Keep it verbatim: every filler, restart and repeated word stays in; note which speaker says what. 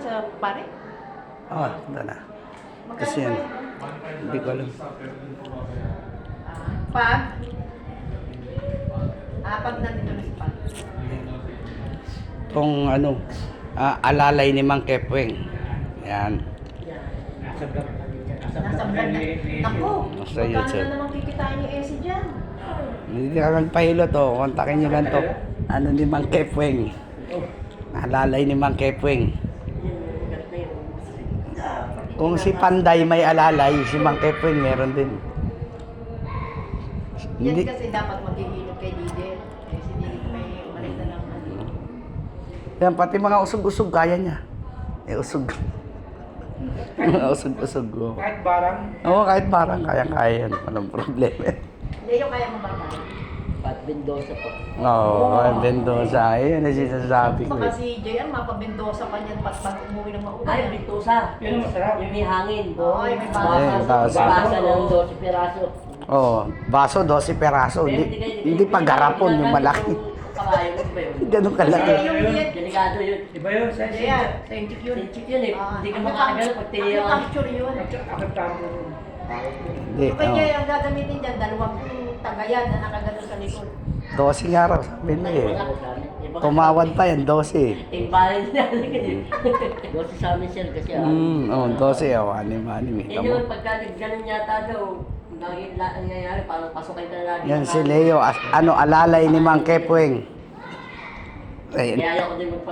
Speaker 1: sa pare?
Speaker 2: Oo, oh, ito na. Kasi yan, hindi ko alam.
Speaker 1: Ah, pag? Ah, pag nandito na si pag.
Speaker 2: Itong ano, ah, alalay ni Mang Kepweng. Yan.
Speaker 1: Nasa vlog na. Naku,
Speaker 2: Nasa
Speaker 1: magkano
Speaker 2: YouTube.
Speaker 1: na naman kikitain ni Essie dyan?
Speaker 2: Hindi ka magpahilo to. Kontakin nyo lang to. Ano ni Mang Kepweng. Alalay ni Mang Kepweng. Kung si Panday may alalay, si Mang Kepweng meron din.
Speaker 1: Yan
Speaker 2: Hindi.
Speaker 1: kasi dapat maghihilot kay Didel. Eh, si Didel may umalit na lang.
Speaker 2: Yan, pati mga usog-usog kaya niya. Eh, usog. Mga usog-usog. Oh.
Speaker 3: Kahit barang.
Speaker 2: Oo, kahit parang kaya-kaya yan. Walang problema.
Speaker 1: Leo, kaya mo ba ba?
Speaker 4: Pat Mendoza po.
Speaker 2: Oo, oh, Mendoza. Ayun ang sinasabi ko.
Speaker 1: Baka
Speaker 2: Eh.
Speaker 1: si J R, mapabendosa pa niyan pat pag umuwi ng maulan.
Speaker 4: Ay, Mendoza.
Speaker 3: Yun ang masarap.
Speaker 4: Yung may hangin.
Speaker 1: Oo, yung may
Speaker 2: Ayun,
Speaker 4: Basa,
Speaker 2: basa.
Speaker 4: basa ng twelve peraso.
Speaker 2: Oo, oh, baso, twelve peraso. Hindi, hindi pa garapon yung malaki.
Speaker 4: Kabayo, iba yun.
Speaker 2: Ganun kalaki.
Speaker 1: Yung diet.
Speaker 4: Delikado yun.
Speaker 3: Iba yun, sa
Speaker 1: J R, scientific yun.
Speaker 4: Sensitive yun eh.
Speaker 1: Ah,
Speaker 4: Hindi ka
Speaker 1: ano
Speaker 4: makakagano
Speaker 1: pang-
Speaker 4: pag tiniyo
Speaker 1: ano
Speaker 4: ka.
Speaker 1: puncture yun.
Speaker 3: Akaptado.
Speaker 2: Hindi,
Speaker 1: Yung kay
Speaker 2: oo.
Speaker 1: J R, ang gagamitin dyan, dalawang tagayan na nakagano sa likod.
Speaker 2: twelve nga raw, sabi niya eh. Tumawad pa yan, twelve.
Speaker 4: Yung bahay niya. Dosi sa amin sir kasi ah.
Speaker 2: Hmm, oo, twelve. Oh, anim-anim eh.
Speaker 4: Eh
Speaker 2: Tama.
Speaker 4: naman pagka ganun yata daw, lagi la- ang nangyayari, parang pasok kayo na lagi.
Speaker 2: Yan
Speaker 4: ng
Speaker 2: si
Speaker 4: hangin.
Speaker 2: Leo, as- ano, alalay ni Mang Kepweng. Ayun.
Speaker 4: Kaya ayoko din magpa